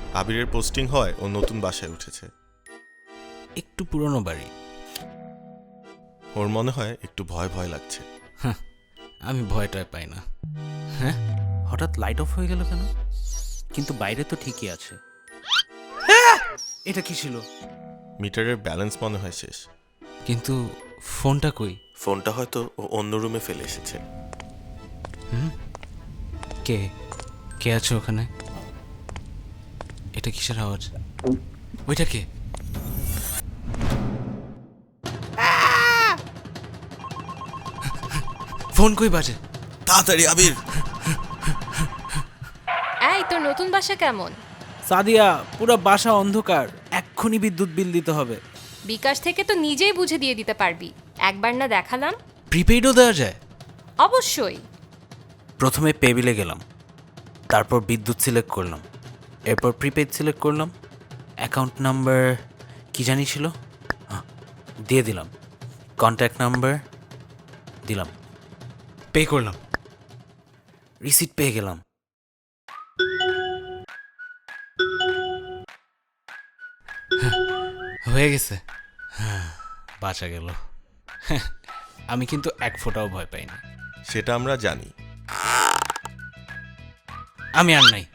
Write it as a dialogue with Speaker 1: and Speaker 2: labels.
Speaker 1: আবিরের পোস্টিং হয় ও নতুন বাসায় উঠেছে।
Speaker 2: একটু পুরনো বাড়ি।
Speaker 1: ওর মনে হয় একটু ভয় ভয় লাগছে।
Speaker 2: আমি ভয়টাই পাই না। হ্যাঁ, হঠাৎ লাইট অফ হয়ে গেল কেন? কিন্তু বাইরে তো ঠিকই আছে। এটা কি ছিল?
Speaker 1: মিটারের ব্যালেন্স মনে হয় শেষ।
Speaker 2: কিন্তু ফোনটা কই?
Speaker 1: ফোনটা হয়তো ও অন্য রুমে ফেলে এসেছে।
Speaker 2: কে কে আছে ওখানে? এটা কিসের আওয়াজ? ওইটা কে? ফোন কই বাজে?
Speaker 1: তাড়াতাড়ি আবির।
Speaker 3: এই তোর নতুন বাসা কেমন?
Speaker 4: সাদিয়া, পুরো বাসা অন্ধকার, এক্ষুনি বিদ্যুৎ বিল দিতে হবে।
Speaker 3: বিকাশ থেকে তো নিজেই বুঝে দিয়ে দিতে পারবি। একবার না দেখালাম?
Speaker 2: প্রিপেইডও দেওয়া যায়?
Speaker 3: অবশ্যই।
Speaker 4: প্রথমে পে বিলে গেলাম, তারপর বিদ্যুৎ সিলেক্ট করলাম, এরপর প্রিপেড সিলেক্ট করলাম। অ্যাকাউন্ট নাম্বার কি জানি ছিল, দিয়ে দিলাম। কন্ট্যাক্ট নাম্বার দিলাম,
Speaker 2: পে করলাম।
Speaker 4: রিসিট পেয়ে গেলাম।
Speaker 2: হয়ে গেছে। হ্যাঁ, বাঁচা গেল। আমি কিন্তু এক ফোঁটাও ভয় পাই না।
Speaker 1: সেটা আমরা জানি।
Speaker 2: আমি আর নাই।